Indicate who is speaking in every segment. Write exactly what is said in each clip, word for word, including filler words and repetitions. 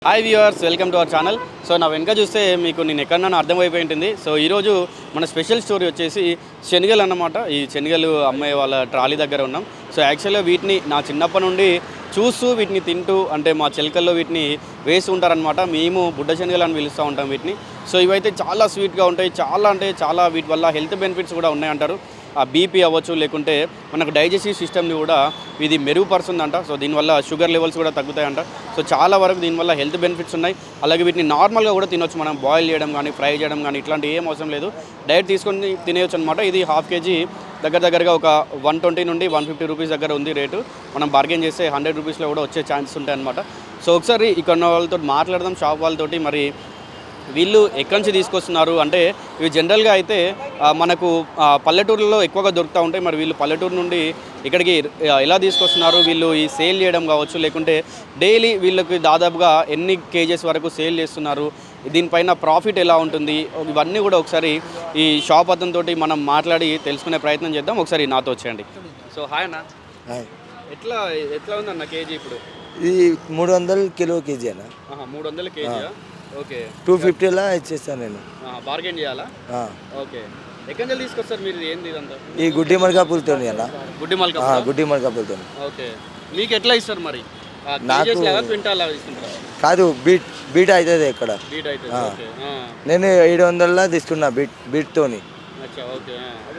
Speaker 1: Hi viewers, welcome to our channel. So నా వెనక చూస్తే మీకు నేను ఎక్కడన్నా అర్థమైపోయి ఉంటుంది. సో ఈరోజు మన స్పెషల్ స్టోరీ వచ్చేసి శనగలు అన్నమాట. ఈ శనగలు అమ్మే వాళ్ళ ట్రాలీ దగ్గర ఉన్నాం. సో యాక్చువల్గా వీటిని నా చిన్నప్పటి నుండి చూస్తూ వీటిని తింటూ, అంటే మా చిలకల్లో వీటిని వేసి ఉంటారనమాట. మేము బుడ్డ శనగలు అని పిలుస్తూ ఉంటాం వీటిని. సో ఇవైతే చాలా స్వీట్గా ఉంటాయి, చాలా అంటే చాలా వీటి వల్ల హెల్త్ బెనిఫిట్స్ కూడా ఉన్నాయంటారు. ఆ బీపీ అవ్వచ్చు, లేకుంటే మనకు డైజెస్టివ్ సిస్టమ్ని కూడా ఇది మెరుగుపరుస్తుందంట. సో దీనివల్ల షుగర్ లెవెల్స్ కూడా తగ్గుతాయంట. సో చాలా వరకు దీనివల్ల హెల్త్ బెనిఫిట్స్ ఉన్నాయి. అలాగే వీటిని నార్మల్గా కూడా తినొచ్చు, మనం బాయిల్ చేయడం కానీ ఫ్రై చేయడం కానీ ఇట్లాంటి ఏం అవసరం లేదు, డైరెక్ట్ తీసుకొని తినేయచ్చు అనమాట. ఇది హాఫ్ కేజీ దగ్గర దగ్గరగా ఒక వన్ ట్వంటీ నుండి వన్ ఫిఫ్టీ రూపీస్ దగ్గర ఉంది రేటు. మనం బార్గెన్ చేస్తే హండ్రెడ్ రూపీస్లో కూడా వచ్చే ఛాన్సెస్ ఉంటాయి అనమాట. సో ఒకసారి ఇక్కడ ఉన్న వాళ్ళతో మాట్లాడదాం, షాప్ వాళ్ళతోటి. మరి వీళ్ళు ఎక్కడి నుంచి తీసుకొస్తున్నారు అంటే, ఇవి జనరల్గా అయితే మనకు పల్లెటూరులో ఎక్కువగా దొరుకుతూ ఉంటాయి. మరి వీళ్ళు పల్లెటూరు నుండి ఇక్కడికి ఎలా తీసుకొస్తున్నారు, వీళ్ళు ఈ సేల్ చేయడం కావచ్చు, లేకుంటే డైలీ వీళ్ళకి దాదాపుగా ఎన్ని కేజెస్ వరకు సేల్ చేస్తున్నారు, దీనిపైన ప్రాఫిట్ ఎలా ఉంటుంది, ఇవన్నీ కూడా ఒకసారి ఈ షాప్ అతనితో మనం మాట్లాడి తెలుసుకునే ప్రయత్నం చేద్దాం. ఒకసారి నాతో వచ్చేయండి. సో హాయ్ అన్న, ఎట్లా ఎట్లా ఉందన్న కేజీ ఇప్పుడు?
Speaker 2: ఇది మూడు వందలు కిలో కేజీ అన్న.
Speaker 1: మూడు వందల కేజీ ఓకే.
Speaker 2: టూ ఫిఫ్టీలా ఇచ్చేస్తాను నేను.
Speaker 1: బార్గెన్ చేయాలా? ఓకే. ఎక్కడి నుంచి తీసుకొస్తారు మీరు? ఏంది ఇదంతా?
Speaker 2: ఈ గుడ్డి మల్కాపూర్తో అన్న.
Speaker 1: గుడ్డి మల్కా
Speaker 2: గుడ్డి మల్కాపూర్తో.
Speaker 1: ఓకే. మీకు ఎట్లా ఇస్తారు మరి? నాకు క్వింటాల్ తీసుకుంటారా?
Speaker 2: కాదు, బీట్ బీట్ అవుతుంది ఇక్కడ.
Speaker 1: బీట్ అవుతుంది.
Speaker 2: నేను ఏడు వందల తీసుకున్నా బీట్ బీట్తోని.
Speaker 1: ఓకే.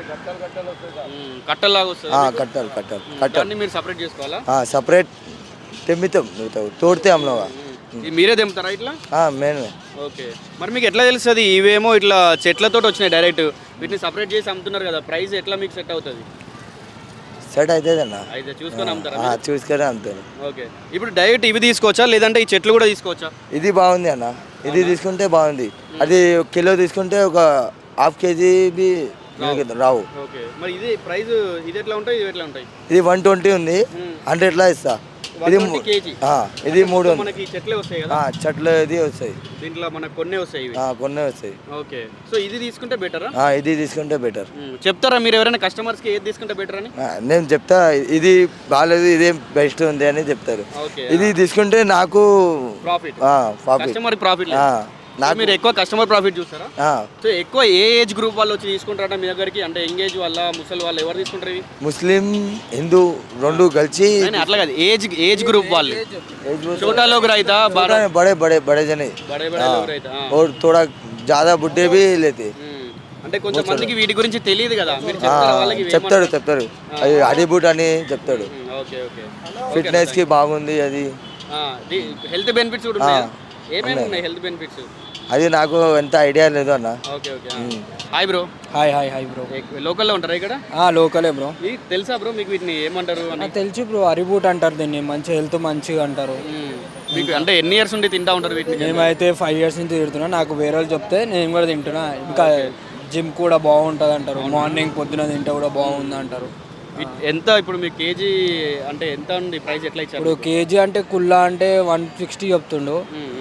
Speaker 1: కట్టలాగా వస్తుంది.
Speaker 2: కట్టాలి కట్టాలి కట్టాలి.
Speaker 1: మీరు సపరేట్ చేసుకోవాలా?
Speaker 2: సపరేట్ తెమ్మితాం, తోడితే అమ్మలోగా.
Speaker 1: మీరే తెంపుతారా ఇట్లా?
Speaker 2: మేమే.
Speaker 1: ఓకే. మరి మీకు ఎట్లా తెలుస్తుంది? ఇవేమో ఇట్లా చెట్లతో వచ్చినాయి డైరెక్ట్, వీటిని సపరేట్ చేసి అమ్ముతున్నారు కదా, ప్రైస్ ఎట్లా మీకు సెట్ అవుతుంది?
Speaker 2: సెట్ అవుతుంది అన్న.
Speaker 1: అయితే చూసుకొని అమ్ముతారా?
Speaker 2: చూసుకొని అమ్ముతాను.
Speaker 1: ఓకే. ఇప్పుడు డైరెక్ట్ ఇవి తీసుకోవచ్చా, లేదంటే ఈ చెట్లు కూడా తీసుకోవచ్చా?
Speaker 2: ఇది బాగుంది అన్న, ఇది తీసుకుంటే బాగుంది. అది కిలో తీసుకుంటే ఒక హాఫ్ కేజీ బి రావు.
Speaker 1: ఓకే. మరి ఇది ప్రైస్ ఇది ఎట్లా ఉంటాయి, ఇది ఎట్లా ఉంటాయి?
Speaker 2: ఇది వన్ ట్వంటీ ఉంది, హండ్రెడ్లా ఇస్తా. ఇది ఇది మూడు
Speaker 1: మనకి చెట్లే వస్తాయి కదా?
Speaker 2: చెట్లు ఇది వస్తాయి,
Speaker 1: దీంట్లో మనకు కొన్ని వస్తాయి,
Speaker 2: కొన్ని వస్తాయి.
Speaker 1: ఓకే. సో ఇది తీసుకుంటే బెటరా?
Speaker 2: ఇది తీసుకుంటే బెటర్.
Speaker 1: చెప్తారా మీరు ఎవరైనా కస్టమర్స్కి ఏది తీసుకుంటే బెటర్ అని?
Speaker 2: నేను చెప్తా, ఇది బాగాలేదు, ఇదే బెస్ట్ ఉంది అని చెప్తారు. ఇది తీసుకుంటే నాకు
Speaker 1: ప్రాఫిట్, కస్టమర్ ప్రాఫిట్. మీరు ఎక్కువ కస్టమర్ ప్రాఫిట్ చూస్తారా? సో ఎక్కువ ఏ ఏజ్ గ్రూప్ వాళ్ళు వచ్చి తీసుకుంటారా మీ దగ్గరికి? అంటే ఎంగేజ్ వాళ్ళ, ముసలి వాళ్ళు, ఎవరు తీసుకుంటారు ఇవి?
Speaker 2: ముస్లిం, హిందూ రెండు కలిసి.
Speaker 1: అట్లా కాదు, ఏజ్ ఏజ్ గ్రూప్ వాళ్ళు. छोटा लोग रहता,
Speaker 2: बड़े बड़े बड़े बड़े जने,
Speaker 1: बड़े बड़े लोग रहता
Speaker 2: और थोड़ा ज्यादा बुड्ढे भी लेते.
Speaker 1: అంటే కొంచెం మందికి వీటి గురించి తెలియదు కదా, మీరు చెప్తారా వాళ్ళకి?
Speaker 2: చెప్తాడు చెప్తాడు అది అడిబూట్ అని చెప్తాడు.
Speaker 1: Okay okay.
Speaker 2: ఫిట్నెస్ కి బాగుంది అది.
Speaker 1: హెల్త్ బెనిఫిట్స్ కూడా ఉన్నాయా? ఏమేమి ఉన్నాయి హెల్త్ బెనిఫిట్స్?
Speaker 2: అది నాకు ఎంత ఐడియా లేదు అన్న.
Speaker 1: Okay okay. Hi bro.
Speaker 3: Hi hi hi bro.
Speaker 1: లోకల్లో ఉంటారా ఇక్కడ?
Speaker 3: లోకలే బ్రో.
Speaker 1: తెలుసా బ్రో మీకు వీటిని ఏమంటారు?
Speaker 3: తెలుసు బ్రో, అరిబూట్ అంటారు దీన్ని. మంచి హెల్త్ మంచిగా అంటారు.
Speaker 1: మీకు అంటే ఎన్ని ఇయర్స్ నుండి తింటా ఉంటారు వీటిని?
Speaker 3: మేమైతే ఫైవ్ ఇయర్స్ నుంచి తింటున్నా. నాకు వేరే వాళ్ళు చెప్తే నేను కూడా తింటున్నా. ఇంకా జిమ్ కూడా బాగుంటుంది అంటారు, మార్నింగ్ పొద్దున తింటే కూడా బాగుంది అంటారు.
Speaker 1: ఎంత ఇప్పుడు మీకు కేజీ అంటే ఎంత ఉంది ప్రైస్? ఎట్లా ఇచ్చారు
Speaker 3: ఇప్పుడు? కేజీ అంటే కుల్లా అంటే వన్ సిక్స్టీ చెప్తుండు,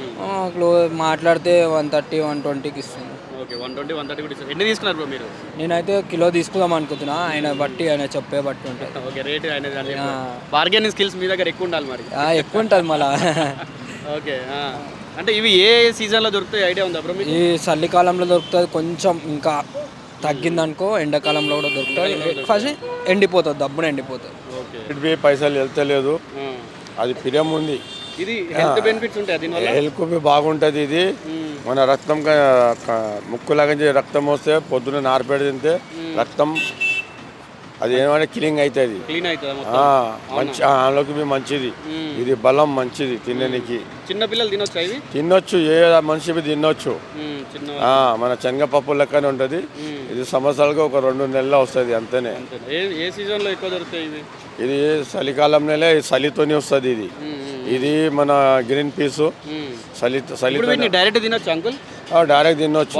Speaker 3: మాట్లాడితే వన్ థర్టీ వన్ ట్వంటీకి ఇస్తుంది.
Speaker 1: Okay, one twenty one thirty కూడా ఇస్తుంది. ఎన్ని తీసుకున్నారు బ్రో మీరు?
Speaker 3: నేనైతే కిలో తీసుకుందాం అనుకుంటున్నా, ఆయన బట్టి ఆయన చెప్పే బట్టి ఉంటుంది.
Speaker 1: ఓకే, రేట్ ఆయన బార్గెనింగ్ స్కిల్స్ మీ దగ్గర ఎక్కువ ఉండాలి మరి.
Speaker 3: ఎక్కువ ఉంటుంది మళ్ళా. ఓకే.
Speaker 1: అంటే ఇవి ఏ సీజన్లో దొరుకుతాయి ఐడియా ఉందా బ్రో?
Speaker 3: ఈ చలికాలంలో దొరుకుతుంది కొంచెం, ఇంకా తగ్గిందనుకో ఎండాకాలంలో కూడా దొరుకుతుంది. ఫస్ట్ ఎండిపోతుంది, దబ్బున ఎండిపోతుంది.
Speaker 4: ఓకే. పైసలు వెళ్తలేదు, అది పిరం ఉంది.
Speaker 1: ఇది హెల్త్ బెనిఫిట్స్ ఉంటాయి దీనివల్ల.
Speaker 4: హెల్త్ బాగుంటుంది. ఇది మన రక్తం ముక్కులాగా రక్తం వస్తే పొద్దున నారపేడ తింటే రక్తం అది ఏమంటే క్లీన్ అవుతుంది,
Speaker 1: క్లీన్ అవుతుంది
Speaker 4: మంచి అందులోకి మంచిది. ఇది బలం మంచిది తినడానికి.
Speaker 1: చిన్న పిల్లలు తినొచ్చు, ఇవి
Speaker 4: తినొచ్చు, ఏ మనిషి తినొచ్చు. మన శనగపప్పు లెక్కనే ఉంటుంది. ఇది సంవత్సరాలకు ఒక రెండు నెలలు వస్తుంది అంతేనే.
Speaker 1: ఏ సీజన్ లో ఎక్కువ దొరుకుతాయి ఇవి?
Speaker 4: ఇది చలికాలం నెల చలితోనే వస్తుంది. ఇది ఇది మన గ్రీన్ పీస్ చలి చలి
Speaker 1: డైరెక్ట్ తినొచ్చు అంకుల్?
Speaker 4: డైరెక్ట్ తినొచ్చు.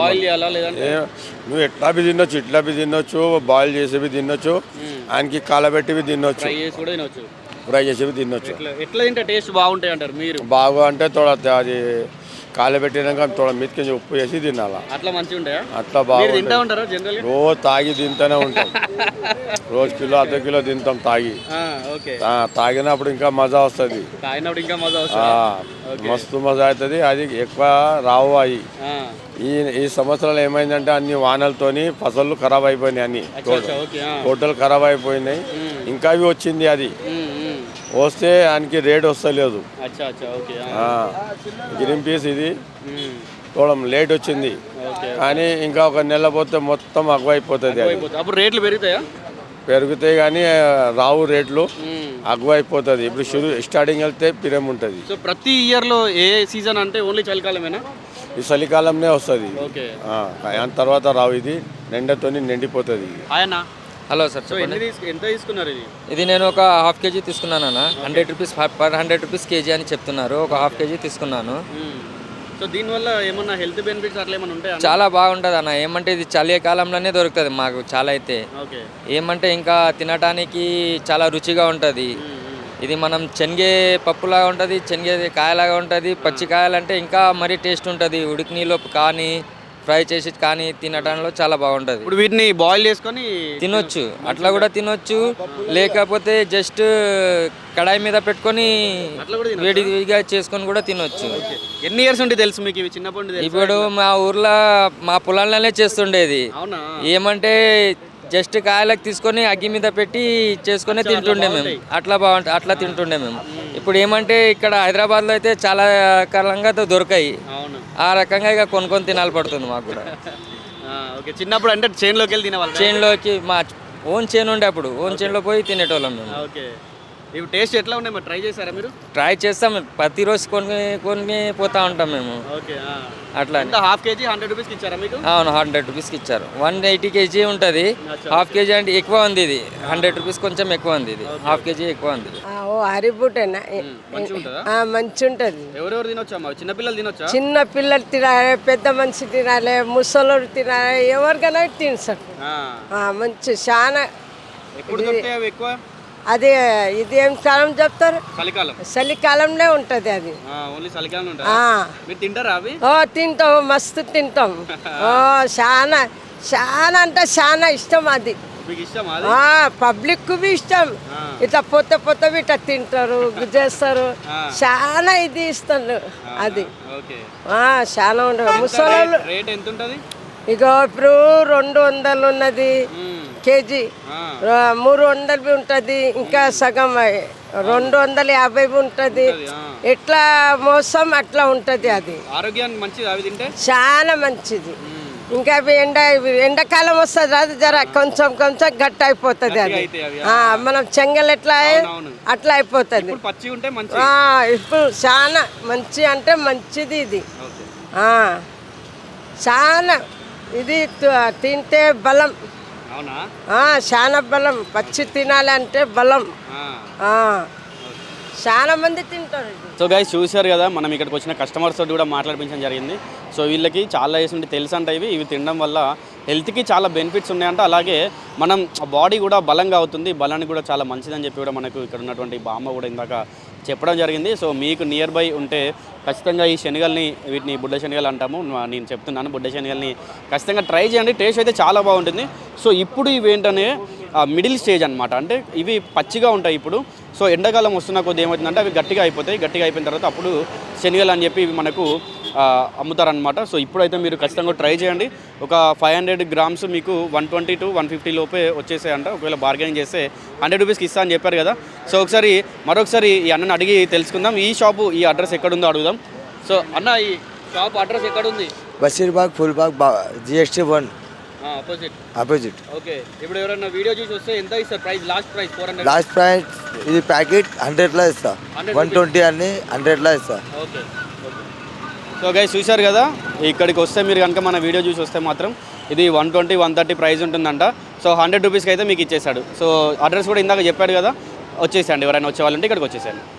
Speaker 4: నువ్వు ఎట్లా బి తినొచ్చు, ఇట్లా బి తినొచ్చు, బాయిల్ చేసేవి తినొచ్చు, ఆయనకి కాలబెట్టివి తినొచ్చు, ఫ్రై చేసేవి తినొచ్చు.
Speaker 1: ఎట్లా తింటే టేస్ట్ బాగుంటాయి అంటారు మీరు?
Speaker 4: బాగా అంటే తోడ అది కాలబెట్టినాక తోడ మీదకి ఉప్పు వేసి తినాలా
Speaker 1: అట్లా మంచిగా ఉంటాయా?
Speaker 4: అట్లా
Speaker 1: మీరు తింటా
Speaker 4: బాగా
Speaker 1: ఉంటారా జనరల్?
Speaker 4: రోజు తాగి తింటూనే ఉంటాం. రోజు కిలో అర్ధ కిలో తింటాం తాగి.
Speaker 1: ఓకే.
Speaker 4: ఆ, తాగినప్పుడు ఇంకా మజా వస్తుంది.
Speaker 1: తాగినప్పుడు ఇంకా మజా
Speaker 4: ఆ,
Speaker 1: వస్తుంది.
Speaker 4: మస్తు మజా అవుతుంది. అది ఎక్కువ రావు అవి. ఈ ఈ సంవత్సరాలు ఏమైందంటే అన్ని వానలతోని ఫసళ్ళు ఖరాబ్ అయిపోయినాయి. అన్ని టోటల్ ఖరాబ్ అయిపోయినాయి. ఇంకా అవి వచ్చింది. అది వస్తే ఆయనకి రేట్ వస్తలేదు. గ్రీన్ పీస్ ఇది చూడం లేట్ వచ్చింది, కానీ ఇంకా ఒక నెల పోతే మొత్తం అగ్వైపోతుంది. అది
Speaker 1: అప్పుడు రేట్లు పెరుగుతాయా?
Speaker 4: పెరుగుతాయి కానీ రావు రేట్లు, అగ్వైపోతుంది. ఇప్పుడు షురు స్టార్టింగ్ వెళ్తే పిరం ఉంటుంది.
Speaker 1: సో ప్రతి ఇయర్లో ఏ సీజన్ అంటే ఓన్లీ చలికాలమేనా?
Speaker 4: ఈ చలికాలంనే వస్తుంది. దాని తర్వాత రావు. ఇది నిండతోని నిండిపోతుంది.
Speaker 1: ఆయన
Speaker 5: హలో సార్,
Speaker 1: సో ఎన్ని తీసు ఎంత తీసుకున్నారు ఇది?
Speaker 5: ఇది నేను ఒక హాఫ్ కేజీ తీసుకున్నాను అన్న. Hundred rupees per hundred rupees KG అని చెప్తున్నారు. ఒక హాఫ్ కేజీ తీసుకున్నాను.
Speaker 1: సో దీనివల్ల ఏమన్నా హెల్త్ బెనిఫిట్స్ అట్లా ఏమైనా ఉంటాయా?
Speaker 5: చాలా బాగుంటుంది అన్న. ఏమంటే ఇది చలికాలంలోనే దొరుకుతుంది మాకు చాలా అయితే. ఏమంటే ఇంకా తినడానికి చాలా రుచిగా ఉంటుంది. ఇది మనం శనగే పప్పులాగా ఉంటుంది, శనగే కాయలాగా ఉంటుంది. పచ్చి కాయలంటే ఇంకా మరీ టేస్ట్ ఉంటుంది. ఉడికి నీళ్ళు కానీ ఫ్రై చేసి కానీ తినడంలో చాలా బాగుంటుంది.
Speaker 1: ఇప్పుడు వీటిని బాయిల్ చేసుకొని
Speaker 5: తినొచ్చు, అట్లా కూడా తినొచ్చు. లేకపోతే జస్ట్ కడాయి మీద పెట్టుకొని వేడిగా చేసుకొని కూడా తినొచ్చు.
Speaker 1: ఎన్ని ఇయర్స్ ఉంటే తెలుసు మీకు ఇవి చిన్నప్పటి నుండి?
Speaker 5: ఇప్పుడు మా ఊర్లో మా పొలాలనే చేస్తుండేది. ఏమంటే జస్ట్ కాయలకు తీసుకొని అగ్గి మీద పెట్టి చేసుకొని తింటుండే మేము. అట్లా బాగుంటుంది, అట్లా తింటుండే మేము. ఇప్పుడు ఏమంటే ఇక్కడ హైదరాబాద్లో అయితే చాలా కాలంగా దొరకాయి. ఆ రకంగా ఇక కొనుక్కొని తినాలి పడుతుంది మాకు కూడా.
Speaker 1: చిన్నప్పుడు అంటే చేనులోకి వెళ్ళి తినేవాళ్ళు?
Speaker 5: చేనులోకి మా ఓన్ చేను ఉండే, అప్పుడు ఓన్ చేనులో పోయి తినేటోళ్ళం మేము.
Speaker 1: ఇవి టేస్ట్ ఎట్లా ఉన్నాయి మరి ట్రై చేశారా మీరు?
Speaker 5: ట్రై చేస్తాం, ప్రతిరోజు కొన్ని కొన్ని పోతా ఉంటాం మేము. అట్లా
Speaker 1: హాఫ్ కేజీ హండ్రెడ్ రూపీస్కి ఇచ్చారా మీకు?
Speaker 5: అవును, హండ్రెడ్ రూపీస్కి ఇచ్చారు. వన్ ఎయిటీ కేజీ ఉంటుంది. హాఫ్ కేజీ అంటే ఎక్కువ ఉంది. ఇది హండ్రెడ్ రూపీస్ కొంచెం ఎక్కువ ఉంది. ఇది హాఫ్ కేజీ ఎక్కువ ఉంది.
Speaker 6: ఓ హరిబుటేనా? మంచి ఉంటుంది.
Speaker 1: ఎవరెవరు తినొచ్చా? చిన్నపిల్లలు తినొచ్చా?
Speaker 6: చిన్న పిల్లలు తినాలి, పెద్ద మనిషి తినాలి, ముసలోడు తినాలి, ఎవరికైనా తినసారు. మంచి చాలా.
Speaker 1: ఎప్పుడు దొరుకుతాయి అవి ఎక్కువ?
Speaker 6: అది ఇది ఏం కాలం చెప్తారు?
Speaker 1: చలికాలం.
Speaker 6: చలికాలంలో ఉంటది అది.
Speaker 1: ఓన్లీ చలికాలం ఉంటుంది. మీరు తింటారా అవి?
Speaker 6: ఓ తింటాం, మస్తు తింటాం. ఓ చాలా చాలా అంటే చాలా ఇష్టం అది. పబ్లిక్ కు ఇష్టం. ఇట్లా పొత్త పొత్తవి ఇట్లా తింటారు, చేస్తారు. చాలా ఇది ఇస్తారు అది. చాలా ఉండదు. ముసలోళ్ళు ఇక ఇప్పుడు రెండు వందలు ఉన్నది కేజీ, మూడు వందలు ఉంటుంది, ఇంకా సగం రెండు వందల యాభై ఉంటుంది. ఎట్లా మోసం అట్లా ఉంటుంది. అది
Speaker 1: ఆరోగ్యానికి మంచిది అవి తింటే, చాలా
Speaker 6: మంచిది. ఇంకా అవి ఎండ ఎండాకాలం వస్తుంది, అది జర కొంచెం కొంచెం గట్టి అయిపోతుంది. అది మనం చెంగల్ ఎట్లా అట్లా అయిపోతుంది. ఇప్పుడు చాలా మంచి అంటే మంచిది ఇది. చాలా ఇది తింటే బలం, చాలా బలం. పచ్చి తినాలి అంటే బలం. చాలా మంది తింటారు.
Speaker 1: సో గైస్ చూశారు కదా, మనం ఇక్కడికి వచ్చిన కస్టమర్స్ తోటి కూడా మాట్లాడిపించడం జరిగింది. సో వీళ్ళకి చాలా వేసి ఉంటే తెలుసు అంట ఇవి ఇవి తినడం వల్ల హెల్త్కి చాలా బెనిఫిట్స్ ఉన్నాయంట. అలాగే మనం బాడీ కూడా బలంగా అవుతుంది, బలానికి కూడా చాలా మంచిదని చెప్పి కూడా మనకు ఇక్కడ ఉన్నటువంటి బామ్మ కూడా ఇందాక చెప్పడం జరిగింది. సో మీకు నియర్ బై ఉంటే ఖచ్చితంగా ఈ శనగల్ని, వీటిని బుడ్డ శనగలు అంటాము, నేను చెప్తున్నాను, బుడ్డ శనగల్ని ఖచ్చితంగా ట్రై చేయండి. టేస్ట్ అయితే చాలా బాగుంటుంది. సో ఇప్పుడు ఇవి ఏంటనే మిడిల్ స్టేజ్ అనమాట. అంటే ఇవి పచ్చిగా ఉంటాయి ఇప్పుడు. సో ఎండాకాలం వస్తున్న కొద్ది ఏమవుతుందంటే అవి గట్టిగా అయిపోతాయి. గట్టిగా అయిపోయిన తర్వాత అప్పుడు శనగలు అని చెప్పి ఇవి మనకు అమ్ముతారనమాట. సో ఇప్పుడైతే మీరు ఖచ్చితంగా ట్రై చేయండి. ఒక ఫైవ్ హండ్రెడ్ గ్రామ్స్ మీకు one twenty to one fifty లోపే వచ్చేసాయంట. ఒకవేళ బార్గెనింగ్ చేస్తే హండ్రెడ్ రూపీస్కి ఇస్తా అని చెప్పారు కదా. సో ఒకసారి మరొకసారి ఈ అన్నని అడిగి తెలుసుకుందాం. ఈ షాపు ఈ అడ్రస్ ఎక్కడుందో అడుగుదాం. సో అన్న, ఈ షాప్ అడ్రస్ ఎక్కడుంది?
Speaker 2: Basheerbagh Phoolbagh GST one
Speaker 1: opposite.
Speaker 2: Opposite.
Speaker 1: Okay. ఇప్పుడు ఎవరైనా వీడియో చూసి వస్తే ఎంత ఇస్తారు price? Last price four hundred.
Speaker 2: Last price ఇది ప్యాకెట్ హండ్రెడ్లో ఇస్తా, వన్ ట్వంటీ అన్ని హండ్రెడ్లో ఇస్తా.
Speaker 1: ఓకే. సో గైస్ చూశారు కదా, ఇక్కడికి వస్తే మీరు కనుక మన వీడియో చూసి వస్తే మాత్రం ఇది one twenty one thirty price ఉంటుందంట. సో హండ్రెడ్ రూపీస్కి అయితే మీకు ఇచ్చేసాడు. సో అడ్రస్ కూడా ఇందాక చెప్పాడు కదా, వచ్చేసండి. ఎవరైనా వచ్చే వాళ్ళంటే ఇక్కడికి వచ్చేసాను.